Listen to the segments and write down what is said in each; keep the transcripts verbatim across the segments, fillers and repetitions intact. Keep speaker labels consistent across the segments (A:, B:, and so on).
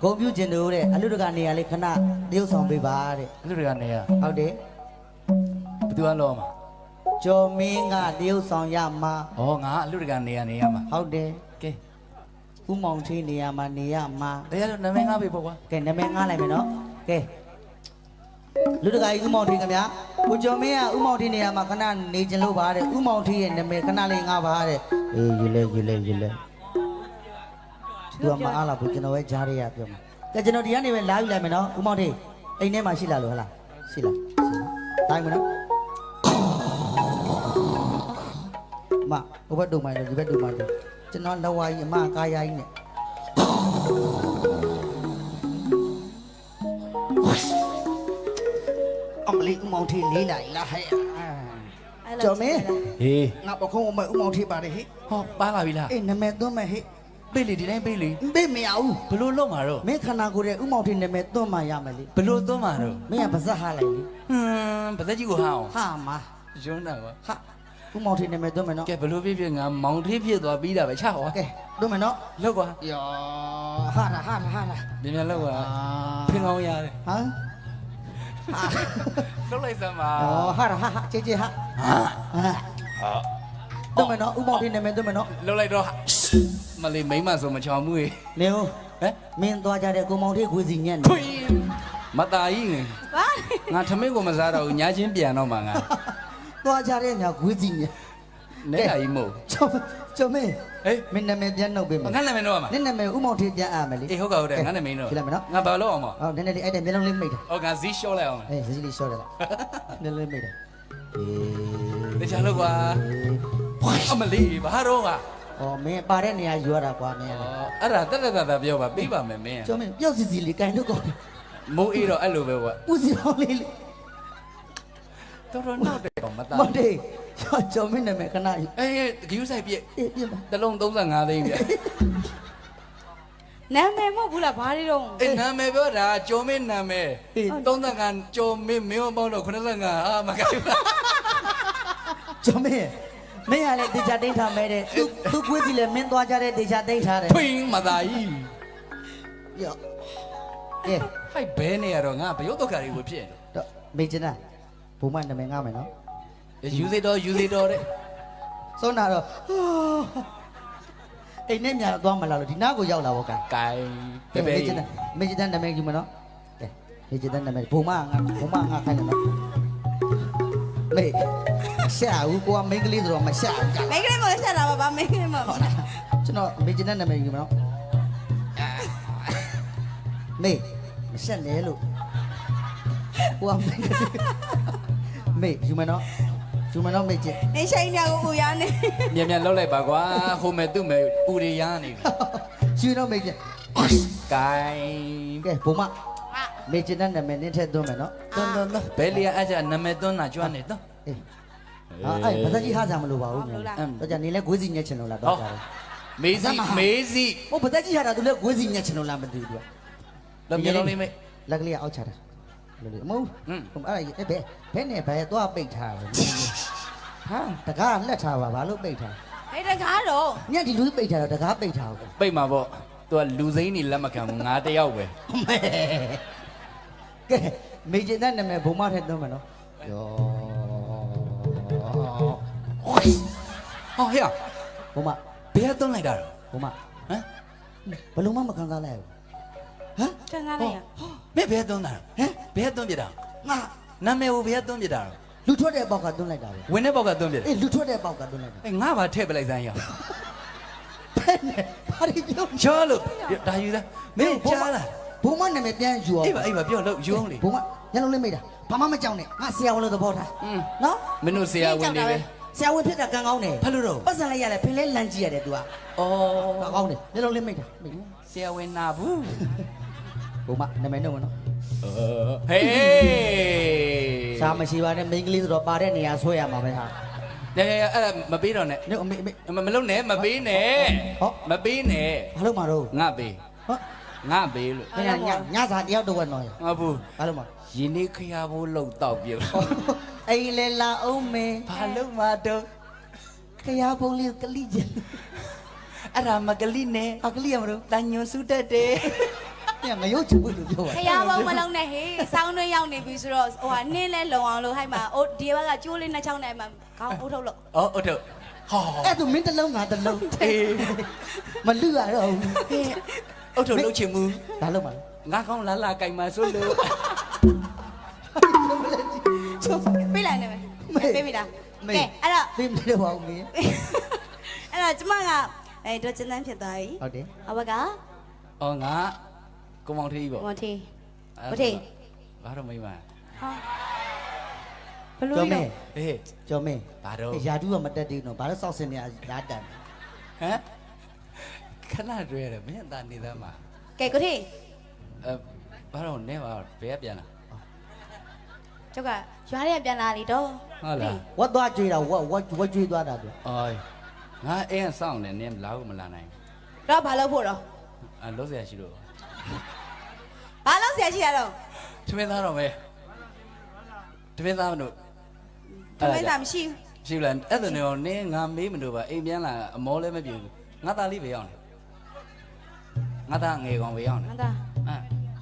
A: ဂုံပြူကျင်တို့တဲ့အလူတကနေရာလေးခဏတရုပ်ဆောင်ပေးပါတဲ့အ
B: လူတွေကနေရ
A: ဟုတ်တယ်
B: ဘယ်သူကလောမှာ
A: ကျော်မင်းကတရုပ်ဆောင်ရမှာ
B: ဩငါအလူတွေကနေရနေရမှာ
A: ဟုတ်တယ်
B: ကဲ
A: ဥမောင်ထင်းနေရာမှာနေရမှာ
B: တရားလို့နာမည်ငါပေးပေါ့ကွာ
A: ကဲနာမည်ငားလိုက်မယ်နော်ကဲလူတကာကြီးဥမောင်ထင်းခင်ဗျာကိုကျော်မင်းကဥမောင်ထင်းနေရာမှာခဏနေကျင်လို့ပါတဲ့ဥမောင်ထင်းရဲ့နာမည်ခဏလေးငားပါတဲ့အေးယူလဲယူလဲယူလဲသူကမအားလားဘူးကျွန်တော်ပဲကြားရရပြောမှာကဲကျွန်တော်ဒီကနေပဲလာယူလိုက်မယ်နော်ဥမောင်ထင်းအိမ်ထဲမှာရှိလားလို့ဟလားရှိလားတိုင်းမနော်မဘဘတုံမိုင်းလို့ဒီဘက်တုံမိုင်းလို့ကျွန်တော်လက်ဝါးကြီးအမကားရိုင်းနဲ့အမလေးဥမောင်ထေးလေးလိုက်လားဟဲ့ကျော်မင်း
B: ဟေး
A: ငါပခုံးအမဥမောင်ထေးပါတယ်ဟဲ့
B: ဟောပါလာပြီလား
A: အေးနာမည်သွင်းမယ်ဟဲ့
B: ပေးလေဒီတိုင်းပေးလေ
A: ဘေးမရဘူး
B: ဘလို့လုံးမှာတော့
A: မင်းခန္ဓာကိုယ်ရဲ့ဥမောင်ထေးနာမည်သွင်းမှရမယ်လေ
B: ဘလို့သွန်းမှာတော့
A: မင်းကပါဇက်ဟာလိုက်လေ
B: ဟွန်းပါသက်ကြီးကိုဟာအောင်
A: ဟာမ
B: ရုံးတာကွာ
A: ဟာဥမောင်ထေးနာမည်သွင်းမယ်နော်
B: ကဲဘလို့ဖြစ်ဖြစ်ငါမောင်ထေးဖြစ်သွားပြီးတာပဲချဟော
A: ကဲသွင်းမယ်နော်
B: လောက်ကွာ
A: ယောဟာလာဟာလာဟာလာ
B: မြန်မြန်လောက်ကွာဖင်ကောင်းရတယ်
A: ဟမ်
B: လောက်လိုက်စမ်းပါ
A: อ๋อဟာဟာဟာကျေကျေဟာ
B: ဟာ
A: ဟာတော့မနော်ဥမောင်ထေးနာမည်သွင်းမယ်နော်
B: လောက်လိုက်တော့မလေးမိမဆိုမချောင်မှုရေ
A: နေဦး
B: ဟမ်
A: မင်းသွားကြတဲ့ကိုမောင်ထေးခွေစီညက်နေ
B: ဖွေမตาကြီးငယ်ငါထမင်းကိုမစားတော့ဘူးညာချင်းပြန်တော့မှာငါ
A: သွားကြတဲ့ညာခွေစီညက်
B: နဲတာကြီးမို့
A: ကျော်ကျော်မင်း
B: ဟေး
A: မင်းနာမည်ပြန်နှုတ်ပေးမယ်
B: ငါနာမည်တော့မှာ
A: နင့်နာမည်ဥမောင်ထေးပြန်အားမယ်လေ
B: အေးဟုတ်ကဟုတ်တယ်ငါနာမည်တော့
A: ဖြစ်လိုက်မယ်နော်
B: ငါဘာလို့အောင်မ
A: ဟောနည်းနည်းလေးအဲ့တဲ့မျက်လုံးလေးမိတ်တာ
B: ဩငါဇီးလျှော့လိုက်အောင်
A: အေးစီစီလေးရှော့တယ်လားနည်းနည်းလေးမိတ်တာအေး
B: တခြားလို့ကွာအမလေးဘာတော့က
A: ဩမင်းပါတဲ့နေရာယူရတာကွာမင်း
B: ဩအဲ့ဒါတက်တက်တက်ပြောပါပြီးပါမယ်မင်း
A: ကျော်မင်းပျောက်စီစီလေးကန်လို့ကော
B: မိုးအေးတော့အဲ့လိုပဲကွာ
A: ပူစီအောင်လေးလေး
B: တော်တော်နောက်တယ်တော့မသား
A: မောင်ထေးကျော်မင်းနာမည်ခဏယူ
B: အေးဂယူးဆိုင်ပြည့်
A: အေးပြပါ
B: တစ်လုံးသုံး၅သိန်းပြ
C: နာမည်မဟုတ်ဘူးလားဘာတွေတော့
B: အေးနာမည်ပြောတာကျော်မင်းနာမည်သုံး၅ကျော်မင်းမင်းပေါင်းတော့85အာမကိုက်ပါ
A: ကျော်မင်းမင်းကလည်းတေချာတိတ်ထားမဲတဲ့သူသူကွေးစီလည်းမင်းသွားကြတဲ့တေချာတိတ်ထားတယ်
B: ဖွင်းမသားကြီး
A: ယောကဲ
B: ဟိုက်ဘဲနေရတော့ငါဘယုတ်တော့ခါလေးကိုဖြစ်နေ
A: တော့မေချင်တာဘုံမနာမည်ငားမယ်နော်
B: ယူစေတော့ယူစေတော့တဲ့
A: စောနာတော့အိမ်နဲ့ညာသွားမလားလို့ဒီနားကိုရောက်လာပေါ့ကဲ
B: ကိုင်ပဲပဲ
A: မေချင်တာမေချင်တာနာမည်ယူမယ်နော်ကဲမေချင်တာနာမည်ဘုံမငါဘုံမငါခိုင်းတယ်နော်မေရှာဦးကိုကမင်းကလေးဆိုတော့မရှာဘူးက
C: မိန်းကလေးမလို့ဆက်တာပါဗာမိန်းကလေးမလို့
A: ဟုတ်လားကျွန်တော်မေချင်တဲ့နာမည်ယူမယ်နော်မေမဆက်လဲလို့ဟိုကမေမေယူမယ်နော်ယူမယ်နော်မေချင်
C: အင်းရှိန်ညာကိုဦးရနေ
B: မြန်မြန်လောက်လိုက်ပါကွာဟိုမဲ့သူ့မဲ့ပူတွေရနေပြီ
A: ယူတော့မေချင်
B: ကိုင်
A: ကဲဘုံမမေချင်တဲ့နာမည်နင်းထည့်သွင်းမယ်နော်
B: တွန်းတွန်းတွန်းဘယ်လီယာအဲ့ကျနာမည်တွန်းတာကျွမ်းနေတော့
A: အေးဟာအဲ့ဘာသာကြီးဟာကြမလို့ပါဘူးညာတော့ကြနေလဲဂွေးစီညက်ချင်လို့လားတော့ကြတယ်
B: မေးစီမေးစီ
A: ဟိုဘာသာကြီးဟာတာသူလဲဂွေးစီညက်ချင်လို့လားမသိဘူးသူက
B: လောမျက်လုံးလေးမေး
A: လက်ကလေးအောက်ချတာလို့လေအမို့
B: ဟွန်း
A: ဟိုအဲ့ဒါဘယ်ဘယ်နဲ့ဘယ်သွားပိတ်ထားလဲဟာတကားလက်ထားပါဘာလို့ပိတ်ထား
C: ဟဲ့တကားတော့
A: ညက်ဒီလူပိတ်ထားတော့တကားပိတ်ထားဘူး
B: ပိတ်မှာပေါ့သူကလူစိမ့်နေလက်မခံဘူးငါတယောက်ပဲ
A: မဲကဲမေဂျင်တဲ့နာမည်ဘုံမထည့်သွင်းမယ်နော်ယော
B: ဟောဟဲ့
A: ဘုံမ
B: ဘယ်ကတွန်းလိုက်တာတော့
A: ဘုံမ
B: ဟမ်
A: ဘလုံးမမခံစားလိုက်ဘူးဟမ်
C: တန်ကားလိုက်ရ
B: မင်းဘယ်ကတွန်းတာ
A: ဟမ်
B: ဘယ်ကတွန်းပြတာ
A: ငါ
B: နာမည်ကိုဘယ်ကတွန်းပြတာ
A: လူထွက်တဲ့ပေါက်ကသွင်းလိုက်တာပဲ
B: ဝင်တဲ့ဘောက်ကတွန်းပြတာ
A: အေးလူထွက်တဲ့ပေါက်ကသွင်းလိုက်တာ
B: အေးငါဘာထည့်ပလိုက်စမ်းရအောင်
A: ဖဲနဲ့ဘာဒီပြော
B: ချောလို့ဒါယူသားမင်းကြားလား
A: ဘုံမနာမည်ပြန်ယူအောင်
B: အေးပါအေးပါပြောလို့ယူအောင်လေ
A: ဘုံမညလုံးလေးမိတ်တာဘာမှမကြောက်နဲ့ငါဆရာဝန်လို့သဘောထား
B: อืม
A: နော်
B: မင်းတို့ဆရာဝန်တွေပဲ
A: ဆရာဝန်ဖြစ်တာကံကောင်းတယ်
B: ဘာလို့တော့
A: ပတ်စံလိုက်ရတယ်ဖင်လဲလန်ကြည့်ရတယ် तू อ่ะ
B: ဩ
A: ကောင်းတယ်ညလုံးလေးမိတ်တာမိတ်
B: ဆရာဝန်နာဘူး
A: ဘုံမနာမည်တော့မနော်
B: ဟေး
A: ရှားမရှိပါနဲ့မိန်းကလေးဆိုတော့ပါတဲ့နေရာဆွဲရမှာပဲဟာ
B: เดี๋ยวๆအဲ့ဒါမပေးတော့နဲ့
A: ညအမေအမေ
B: မမလုံးနဲ့မပေးနဲ့
A: ဟော
B: မပေးနဲ့
A: ဘာလို့မှာတော့
B: ငါပေး
A: ဟော
B: ငါပေးလို့
A: ညညညစာတယောက်တော့ဝက်နော်ရ
B: ငါဘူး
A: ဘာလို့မှာ
B: ရင်းနေခရဘိုးလောက်တော့ပြုတ်
A: အိမ်လေလာအောင်မေ
B: ဘာလို့မှတော့
A: ခရဘုံလေးကလိကျင်
B: အဲ့ဒါမကလိနဲ့
A: အကလိရမလို့
B: တန်ညွန်စုတက်တယ်
A: ညကငရုတ်ချဘူးလို့ပြောပါ
C: ခရဘုံမလုံးနဲ့ဟေးစောင်းတွင်းရောက်နေပြီဆိုတော့ဟိုဟာနင်းလဲလုံအောင်လို့ဟိုက်မှာအိုးဒီဘက်ကကျိုးလေးနှစ်ချောင်းနဲ့မှာခေါင်းအုပ်ထုတ်လို့
B: အော်ဟုတ်တယ်ဟော
A: အဲ့ဒါမင်းတစ်လုံးငါတစ်လုံး
B: အေး
A: မလူရတော့ဘူး
B: အုတ်ထုတ်လှုပ်ချင်မှု
A: ဒါလုံးပါ
B: ငါကောင်းလာလာကြိုင်မှာဆိုလို့
C: ပြေးလိုက်နေမယ်ပြေးပြီလားကဲအဲ့တော့
A: ပြေးမလို့ပါဦးမင်း
C: အဲ့တော့ကျမကအဲတော့ကျန်းတန်းဖြစ်သွားပြီ
A: ဟုတ်တယ်
C: အဘက
B: အော်ငါကိုမောင်ထေးကြီးပေါ့
C: မထေမထေ
B: ဘာတော့မိမ
C: ဟာဘလို့
A: ကျော်မ
C: လဲ
A: င်း
B: အေး
A: ကျော်မင်း
B: ဘာတော့
A: ရာတူးကမတက်သေးဘူးနော်ဘာလို့စောက်စင်နေရဓာတ်တန်
B: ဟမ်ခဏတွေ့ရတယ်မင်းအသာနေသားမှာ
C: ကဲကိုထေ
B: အဲဘာတော့နဲပါဘယ်ကပြန်လာ
C: ကျုပ်ကရွာထဲပြန်လာလေတော့
B: ဟုတ်လား
A: ဝတ်သွားကြွေးတာဝတ်ဝတ်ဝတ်ကြွေးသွားတာသူ
B: အော်ငါအင်းဆောင်တယ်နင်းလာကိုမလာနိုင်
C: တော့ဘာလုပ်ဖို့တော့
B: အဲလုံးစရာရှိလို့
C: ဘာလုပ်ဆရာရှိရတော့
B: ထမင်းသားတော့မဲထမင်းသားမလို့
C: တမင်းသားမရှိဘူး
B: ရှိလားအဲ့ဒါနဲ့နင်းငါမေးမလို့ပါအိမ်ပြန်လာအမောလည်းမပြေဘူးငါသားလေးပဲရောက်နေငါသားငယ်ကောင်ပဲရောက်နေ
C: ငါသား
B: အဲ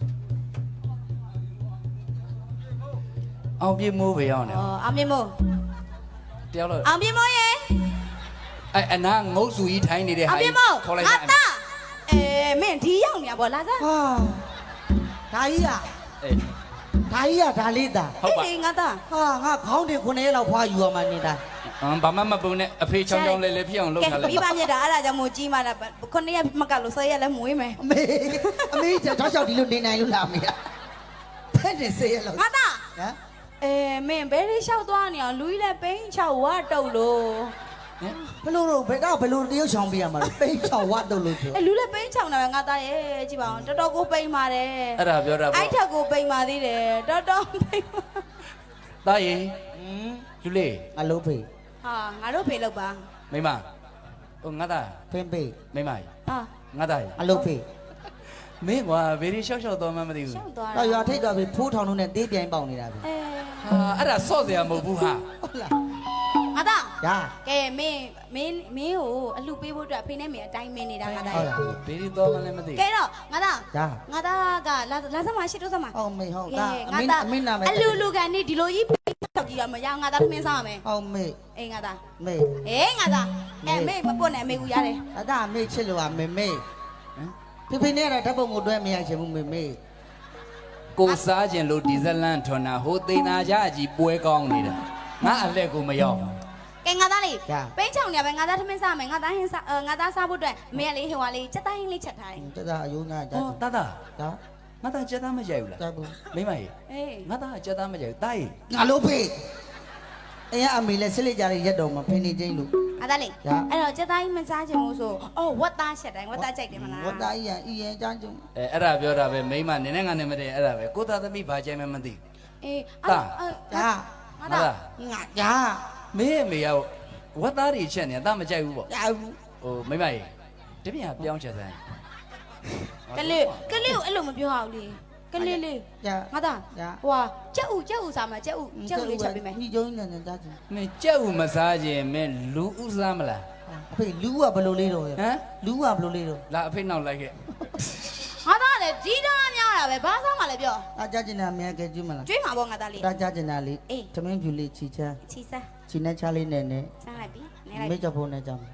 B: အောင်ပြေမိုးပဲရောက်နေ
C: ဩအောင်မြင်မို့
B: တယောက်တော့
C: အောင်မြင်မို့ရေ
B: အဲအနာငုတ်စုကြီးထိုင်းနေတဲ့
C: အောင်
B: ဟာ
C: မြင်မို့
B: ခေါ်လိုက်
C: ငါ
B: တာ
C: သားအဲမင်းဒီရောက်နေရပါလာစား
A: ဟာဒါကြီးက
B: အေး
A: ဒါကြီးကဒါလေးတာ
B: ဟုတ်ပါ
C: အေးငါသား
A: ဟာငါခေါင်းတင်ခုနှစ်ရက်လောက်ဖွာယူရမှနေတာ
B: အမ်ဘာမှမပုံနဲ့အဖေချောင်းချောင်းလေးလေးဖြစ်အောင်လုပ်ထား
C: ကဲ
B: လိုက်
C: မိဘမြတ်တာအဲ့ဒါကြောင့်မို့ကြီးမှတာခုနှစ်ရက်မကလို့ဆယ်ရက်လည်းမွေးမယ်
A: အမေအမေကြောက်ကြောက်ဒီလိုနေနိုင်လို့လားအမေဖက်နေစေရလောက်
C: ငါသား
A: ဟမ်
C: အဲမင်းဘယ်လေးလျှောက်သွားနေအောင်လူကြီးလည်းပိန်းချောက်ဝါတုတ်လို့
B: ဟင်
A: ဘလို့တော့ဘယ်တော့ဘလို့တရုတ်ဆောင်ပြရမှာလဲပိတ်ချောင်းဝတ်တော့လို့ပြော
C: အဲလူလည်းပိန်းချောက်နေပဲငါသားရဲ့ကြည့်ပါအောင်တော်တော်ကိုပိန်းပါတယ်
B: အဲ့ဒါပြောတာ
C: အဲ့
B: ပေါ့
C: ထက်ကိုပိန်းပါသေးတယ်တော်တော်ပိန်းပါ
B: တာရင်
A: ဟင်း
B: လူလေး
A: အလုံးဖေ
C: ဟာငါတို့ဖေလို့ပါ
B: မိမဟိုငါသား
A: ဖင်းဖေ
B: မိမကြီး
C: ဟာ
B: ငါသားကြီး
A: အလုံးဖေ
B: မင်းကွာဘယ်ဒီရှောက်ရှောက်တော့မှမသိဘူး
C: ရှောက်သွား
A: တော့ရွာထိတ်တော့ပြီဖိုးထောင်လုံးနဲ့သေးပြိုင်ပေါင်နေတာပြီ
C: အဲ
B: ဟာအဲ့ဒါဆော့เสียမဟုတ်ဘူးဟာ
A: ဟုတ်လား
C: ငါသား
A: ညာ
C: ကဲမင်းမင်းမင်းကိုအလှပေးဖို့အတွက်ဖေနဲ့မင်းအတိုင်းမင်းနေတာငါသား
A: ဟုတ်လား
B: ဘယ်ဒီတော့မှလည်းမသိ
C: ကဲတော့ငါသား
A: ညာ
C: ငါသားကလာလာစမ်းမရှိတော့စမ်းမ
A: ဟုတ်မေဟုတ်
C: ကဲ
A: ဒါအ
C: ငါ
A: မင်း
C: သား
A: အမင်းနာမည်
C: အလူလူကန်နေဒီလိုကြီးတောက်ကြည့်ရမရငါသားသမင်းစားရမယ်
A: ဟုတ်မေ
C: အေးငါသား
A: မေ
C: အေးငါသားအဲမေမပွတ်နဲ့မေကူရတယ်
A: အဒါမေချစ်လို့ကမေမေဟမ်ဖေဖေနဲ့တော့ဓာတ်ပုံကိုတွဲမရချင်ဘူးမေမေ
B: ကိုစားခြင်းလို့ဒီဇလန်ထွန်တာဟိုသိနာကြအကြီးပွဲကောင်းနေတာငါအလက်ကိုမရောက်
C: ကဲငါသားလေးပိန်းချောင်နေပဲငါသားသမင်းစားမယ်ငါသားဟင်းစားငါသားစားဖို့အတွက်မေကလေးဟိုကလေးစက်တိုင်းလေးချက်ထားတယ်
A: တဒါအယုံနာဓာ
B: ဟော
A: တ်
B: တာတာ
A: ဒါ
B: ငါသားကြက်သားမကြိုက်ဘူးလား
A: ဓာတ်ဘူး
B: မိမကြီး
C: အေး
B: ငါသားကြက်သားမကြိုက်ဘူးတာကြီး
A: ငါလို့ဖေအရင်အမေလည်းစစ်လက်ကြတဲ့ရက်တော်မှာဖင်းနေချင်းလို့
C: ငါသားလေး
A: ညာ
C: အဲ့တော့စက်တိုင်းမစားချင်ဘူးဆိုအော်ဝတ်သားချက်တိုင်းဝတ်သားကြိုက်တယ်မလား
A: ဝတ်သားကြီးရအရင်အချမ်းကျုံ
B: အဲအဲ့ဒါပြောတာပဲမိမနင်းနဲ့ငါနဲ့မတည့်အဲ့ဒါပဲကိုသားသမီးဘာကြိုက်မှမသိ
C: အေး
A: ဒါ
C: ငါသား
A: ငါညာ
B: မင်းအမေကဝတ်သားတွေချက်နေတာတာမကြိုက်ဘူးပေါ့
A: ရဘူး
B: ဟိုမိမကြီးတပြင်းကပြောင်းချက်စမ်း
C: ကလေးကလေးကိုအဲ့လိုမပြောအောင်လေကလေးလေး
A: ညာ
C: ငါသား
A: ညာ
C: ဟွာကြက်ဥကြက်ဥစားမှာကြက်ဥကြက်ဥလေးချက်ပေးမယ်
A: ညီကျုံနဲ့နဲ့ကြားချင်
B: မင်းကြက်ဦးမစားခြင်းမင်းလူဥစားမလား
A: အဖေလူကဘယ်လိုလေးတော့
B: ဟမ်
A: လူကဘယ်လိုလေးတော့
B: လာအဖေနောက်လိုက်ခဲ့
C: ငါသားလည်းကြီးသားများတာပဲဘာစားမှလည်းပြော
A: အကြားချင်တာအများကဲကျွမလား
C: ကျွေးမှာပေါ့ငါသားလေး
A: တာကြားချင်တာလေး
C: အေး
A: သမင်းဖြူလေးချီချမ်း
C: ချီစား
A: ချီနဲ့ချလေးနဲ့နဲ့
C: စားလိုက်ပြီနေလိုက်
A: မေချဖို့နဲ့ကြောင်း
C: ဟမ်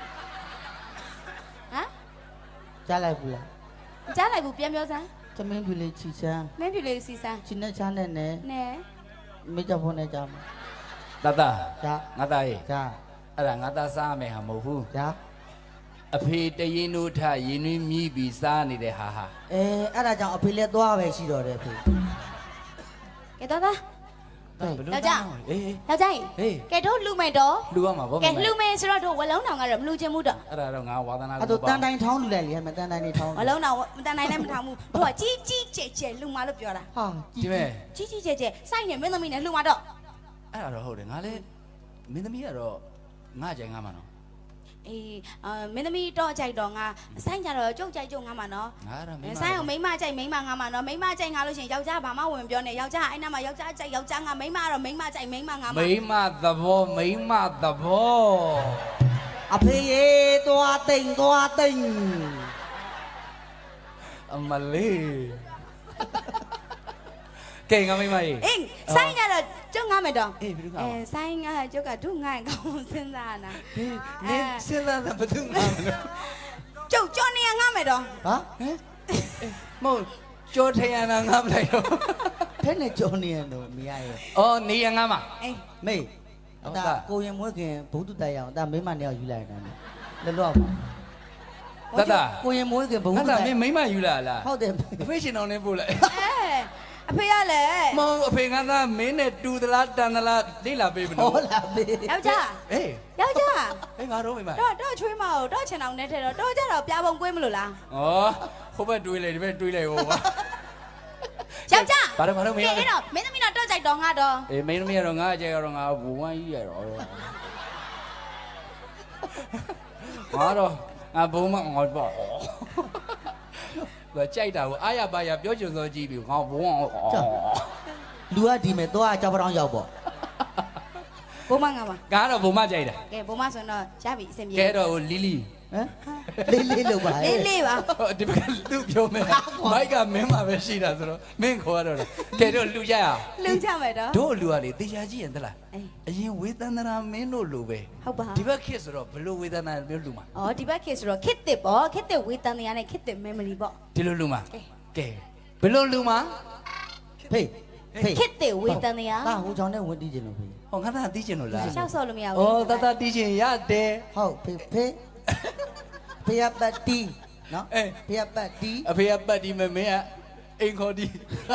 A: ကြားလိုက်ဘူးလား
C: ကြားလိုက်ဘူးပြန်ပြောစမ်း
A: သမင်းဖြူလေးချီချမ်း
C: မင်းပြလေးစီစား
A: ချီနဲ့ချနဲ့နဲ့
C: နဲ
A: မေချဖို့နဲ့ကြောင်း
B: တတ
A: ကြား
B: ငါသားရေး
A: ကြား
B: အဲ့ဒါငါသားစားမယ်ဟာမဟုတ်ဘူး
A: ကြား
B: အဖေတရင်တို့ထရင်နှွေးမြည်ပြီးစားနေတဲ့ဟာဟာ
A: အဲအဲ့ဒါကြောင့်အဖေလည်းသွားပဲရှိတော့တယ်အဖေ
C: ကဲတော့သား
B: ဘယ်လို
C: ယောက်ျား
B: အေး
C: ယောက်ျားကြီး
B: ဟေး
C: ကဲတို့လှူမယ်တော့
B: လူရမှာဗော
C: ကဲလှူမယ်ဆိုတော့တို့ဝလုံးတောင်ကတော့မလှူချင်ဘူးတော့
B: အဲ့ဒါတော့ငါဝါသနာ
A: အဲ့တော့တန်တိုင်းထောင်းလူလိုက်လေဟဲ့မတန်တိုင်းနေထောင်း
C: ဝလုံးတောင်မတန်နိုင်နဲ့မထောင်ဘူးတို့ကကြီးကြီးကျယ်ကျယ်လှူမှာလို့ပြောတာ
A: ဟာ
B: ဒီမဲ့
C: ကြီးကြီးကျယ်ကျယ်စိုက်နေမင်းသမီးနဲ့လှူမှာတော့
B: အဲ့ဒါတော့ဟုတ်တယ်ငါလည်းမင်းသမီးကတော့ငါကြိုင်ငါမှာနော်
C: အေးအာမင်းသမီးတော့ကြိုက်တော့ငါစိုက်ကြတော့ကြုတ်ကြိုက်ကြုတ်ငါမှာနော်
B: ငါအဲ့ဒါမင်း
C: စိုက်အောင်မိန်းမကြိုက်မိန်းမငါမှာနော်မိန်းမကြိုက်ငါလို့ရှိရင်ယောက်ျားဘာမှဝင်ပြောနေယောက်ျားအဲ့နာမှာယောက်ျားကြိုက်ယောက်ျားငါမိန်းမကတော့မိန်းမကြိုက်မိန်းမငါမှာ
B: မိမသဘောမိမသဘော
A: အဖေရေသွားတိမ်သွားတိမ်
B: အမလေးကဲငါမိမကြီး
C: အေးဆိုင်ကတော့ကျုပ်ငါမယ်တော့
B: အေးဘယ်လိုငါ
C: အဲဆိုင်ကကျုပ်ကဒုငါကောင်းစဉ်းစားနာ
B: နင်းစဉ်းစားတာဘယ်သူငါမလို့
C: ကျုပ်ကြော်နေရငါမယ်တော့
A: ဟာ
B: ဟမ်မဟုတ်ကြောထရနာငါမလိုက်တော့
A: ထဲနဲ့ကြော်နေရတော့မရရဲ့
B: အော်နေရငါမ
C: အေး
A: မေအတာကိုရင်မွေးခင်ဘုသူတိုက်ရအောင်အတာမိမနဲ့ယူလိုက်တယ်လောလောကိုရင်မွေးခင်ဘု
B: ငါ
A: သူ
B: သာ
A: တို
B: မ
A: က်
B: င်းမိမယူလာလား
A: ဟုတ်တယ်
B: အဖေရှင်တော်နဲ့ပို့လိုက်
C: အဲအဖေရလဲ
B: မဟုတ်အဖေငါသားမင်းနဲ့တူသလားတန်သလားလိလာပေးမလို့
A: ဟောလာပြီ
C: ယောက်ျား
B: အေး
C: ယောက်ျား
B: အေးငါတော့မိမ
C: တော့တော့ချွေးမအောင်တော့ချင်အောင်နဲ့ထဲတော့တော့ကြတော့ပြာပုံကွေးမလို့လား
B: ဩဟိုဘက်တွေးလိုက်ဒီဘက်တွေးလိုက်ဟောပါ
C: ယောက်ျား
B: ဘာလို့ဘာလို့မရ
C: ကဲအဲ့တော့မင်းသမီးတော့တော့ကြိုက်တော့ငါတော့
B: အေးမင်းသမီးကတော့ငါအကျဲကတော့ငါဘူဝမ်းကြီးရတော့ငါတော့ငါဘုံမငါပေါ့သူကြိုက်တာကိုအားရပါရပြောချင်စောကြည့်ပြီးငါဘုံအောင်
A: လူကဒီမဲ့သွားကြောက်ပြောင်းရောက်ပေါ့
C: ဘုံမငါပါ
B: ကတော့ဘုံမကြိုက်တာ
C: ကဲဘုံမဆိုတော့ရပြီအဆင်ပြေ
B: ကဲတော့လီလီ
A: ဟမ်လေးလေးလို့ပါ
C: လေးလေးပါ
B: ဒီဘက်ကသူ့ပြောမယ်မိုက်ကမင်းမှာပဲရှိတာဆိုတော့မင်းခေါ်ရတော့လားကဲတော့လူကြရအောင်
C: လူကြမယ်တော့
B: တို့လူကလေတေချာကြည့်ရင်တလား
C: အေး
B: အရင်ဝေသန္တရာမင်းတို့လိုပဲ
C: ဟုတ်ပါ
B: ဒီဘက်ခေတ်ဆိုတော့ဘလို့ဝေသန္တရာမျိုးလူမှာ
C: အော်ဒီဘက်ခေတ်ဆိုတော့ခစ်တစ်ပေါ့ခစ်တစ်ဝေးတန်တရားနဲ့ခစ်တစ် memory ပေါ့
B: ဒီလိုလူမှာကဲဘလို့လူမှာ
A: ဖေးဖေး
C: ခစ်တစ်ဝေးတန်တရား
A: ဒါဟိုချောင်းနဲ့ဝင်တီးကျင်လို့ဖေး
B: ဟောငါသားတီးချင်လို့လား
C: ရှောက်ဆော်လို့မရဘူး
B: ဩတတတီးချင်ရတယ်
A: ဟုတ်ဖေးဖေးဖေးပတ်တီးနော်
B: အေး
A: ဖေးပတ်တီး
B: အဖေကပတ်ဒီမဲ့မင်းကအိမ်ခေါ်ဒီ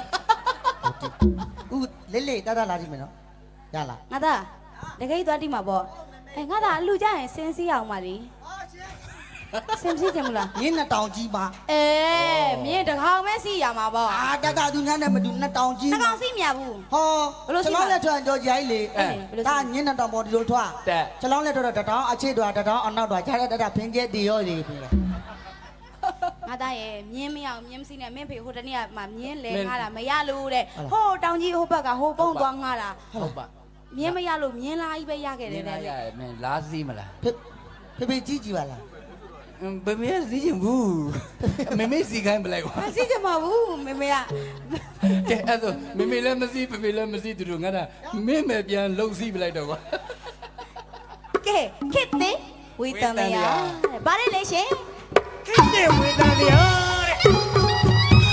A: ဦးလေးလေးတတလာကြည့်မယ်နော်ရလား
C: ငါသားတကယ်သွားတိမှာပေါ့အဲငါသားအလူကြရင်စင်းစီးအောင်ပါလေစင်းစီးကြမလား
A: ရင်းနှစ်တောင်ကြီးပါ
C: အဲမြင်းတကောင်ပဲစီးရမှာပေါ့
A: အာတတသူများနဲ့မတူနှစ်တောင်ကြီး
C: တကောင်စီးမြဘူး
A: ဟောကျွန်တော်လက်ထွက်ကြော်ကြီးလေဒါညင်းနှစ်တောင်ပေါ်ဒီလိုထွက်
B: တက်
A: ကျွန်တော်လက်ထွက်တော့တတောင်အခြေတော်တတောင်အနောက်တော်ခြားတဲ့တတဖင်းကျဲတီရောလေဖေး
C: ငါသားရဲ့မြင်းမရအောင်မြင်းမစီးနဲ့မင်းဖေဟိုတနေ့ကမှမြင်းလဲငါတာမရလို့တဲ့ဟိုတောင်ကြီးဟိုဘက်ကဟိုပုံသွားငါတာ
B: ဟုတ်ပါ
C: မြင်းမရလို့မြင်းလားကြီးပဲရခဲ့
B: မ
C: တယ်
B: င်း
C: တဲ့
B: လာရမင်းလားစီးမလား
A: ဖေးဖေးဖေးကြီးကြီးပါလား
B: ဘယ်မင်းစီးချင်ဘူးမမေစီခိုင်းပလိုက်ကွာ
C: မစီးကြမှာဘူးမေမေက
B: ကဲအဲ့ဒါမမေလည်းမစီးဖေဖေလည်းမစီးသူတို့ငါတာမင်းပဲပြန်လုံစီးပလိုက်တော့ကွာ
C: ကဲခစ်တဲ့ဝေတန်ရဗါလေလေရှင်
B: ကိတဲ့ဝေဒနာတရားတဲ့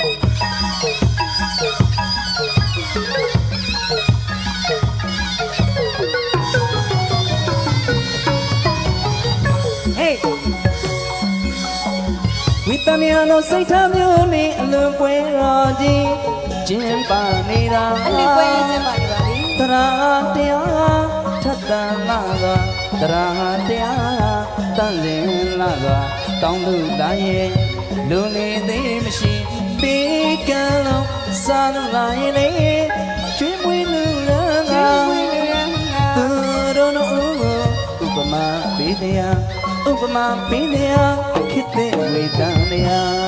D: ဝိတ္တမြာလိုစိတ်ထားမျိုးနဲ့အလွန်ပွဲတော်ကြီးကျင်းပနေတာ
C: အလီပွဲရေးစင်ပါနေပါလေ
D: တရာတရားထပ်တန်လာစွာတရာတရားတန်လင်းလာစွာတောင်းလို့တိုင်းရဲ့လူနေသေးမရှိပေးကံလုံးစားလို့လာရင်လေကျွေးမွေးလူလာငါသူတို့တို့ဥပမာပေးတရားဥပမာပေးတရားခေတ္တဝေဒနာ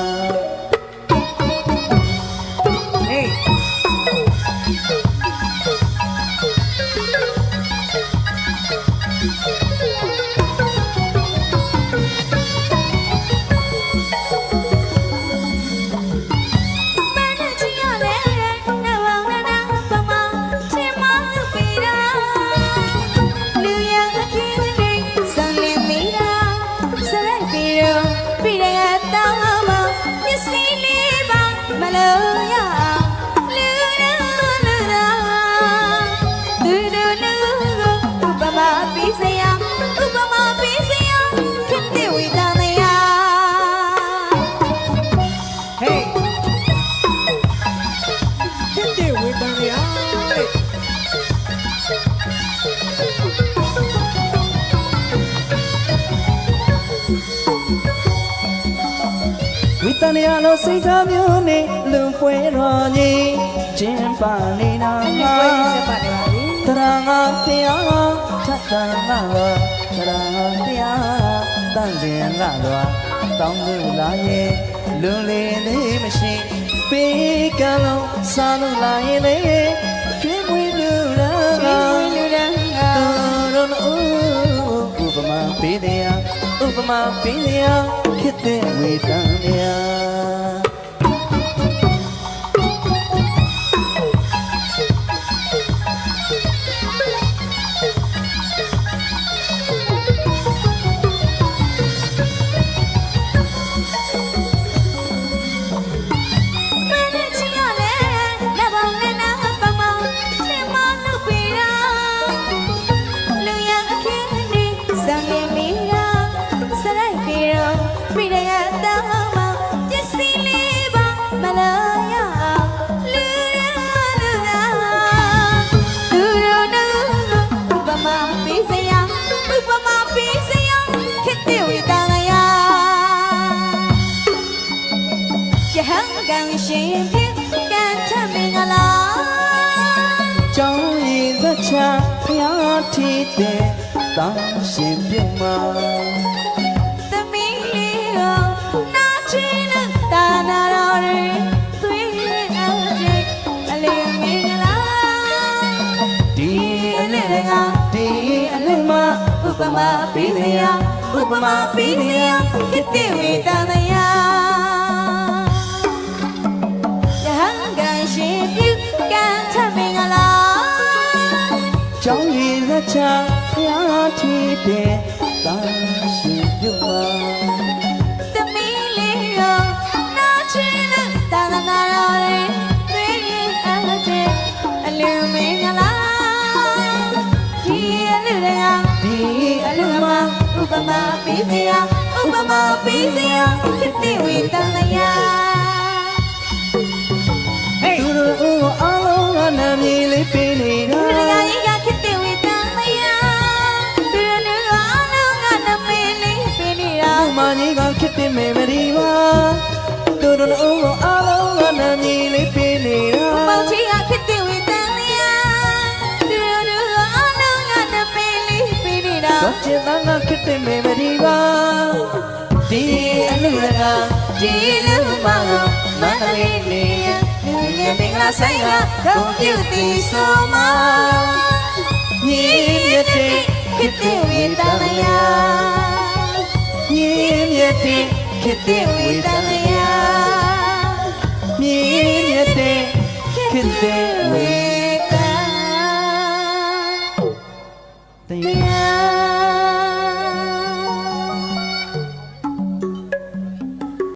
D: Hey ဝိတ္တနယာလိုစိတ်ထားမျိုးနဲ့လူပွဲတော်ကြီးကျင်းပနေတာ
C: အလီပွဲရေးစင်ပါနေပါလေ
D: တရာငါတရားထပ်တန်လာတော့တရာတရားတန်စင်လာတော့တောင်းလို့လာရဲ့လွန်လေလေးမရှိပေးကံလုံးစားလို့လာရင်လေကျွေးမွေးလူလာ
C: ကျွေးမွေးလူတန်းက
D: တို့တို့ဥပမာပေးတရားဥပမာပေးတရားခေတ္တဝေဒနာ
C: ကန်ရှင်ဖြစ်ကန်ထမင်္ဂလာ
D: ကြောင်းရည်သက်ချဖျားထီးတဲ့တာရှင်ပြမ
C: သမီးလေးကိုနာချီနဲ့တာနာတော်တွေသွေးအောင်ချိန်အလေးမင်္ဂလာ
D: ဒီအလေးကဒီအလေးမှာဥပမာပေးနေရဥပမာပေးနေရ
C: ခစ်တဲ့ဝေတန်တရားယဟန်ကန်ရှင်ပြုကန်ထမင်္ဂလာ
D: ကြောင်းရည်သက်ချဖျားထီးတဲ့တာရှင်ပြမ
C: သမီးလေးကိုနာချီနဲ့တာနာတော်တွေသွေးအောင်ချိန်အလေးမင်္ဂလာဒီအလူတွေက
D: ဒီအလေးမှာ
C: ဥပမာပေးစရာဥပမာပေးစရာခစ်တဲ့ဝေတန်တရား
D: သူတို့အားလုံးကနာမည်လေးပေးနေတာ
C: လူတကာကြီးကခစ်တဲ့ဝေတန်တရားသူတို့အားလုံးကနမေးလေးပေးနေတာ
D: အမကြီးကခစ်တဲ့မေမရီပါသူတို့အားလုံးကနာမည်လေးပေးနေတာ
C: ပေါင်းချီကခစ်တဲ့ဝေတန်တရားသူတို့အားလုံးကနမေးလေးပေးနေတာ
D: တော့ချင်သားကခစ်တဲ့မေမရီပါဒီအလူရက
C: ဒီလူမကိုမန္တလေးလေးလူငယ်မင်္ဂလာဆိုင်ကဂုဏ်ပြုတည်ဆိုမှာ
D: ညီမြတ်တဲ့
C: ခစ်တဲ့ဝေတန်တရား
D: ညီမြတ်တဲ့
C: ခစ်တဲ့ဝေတန်တရား
D: ညီမြတ်တဲ့ခစ်တဲ့ဝေ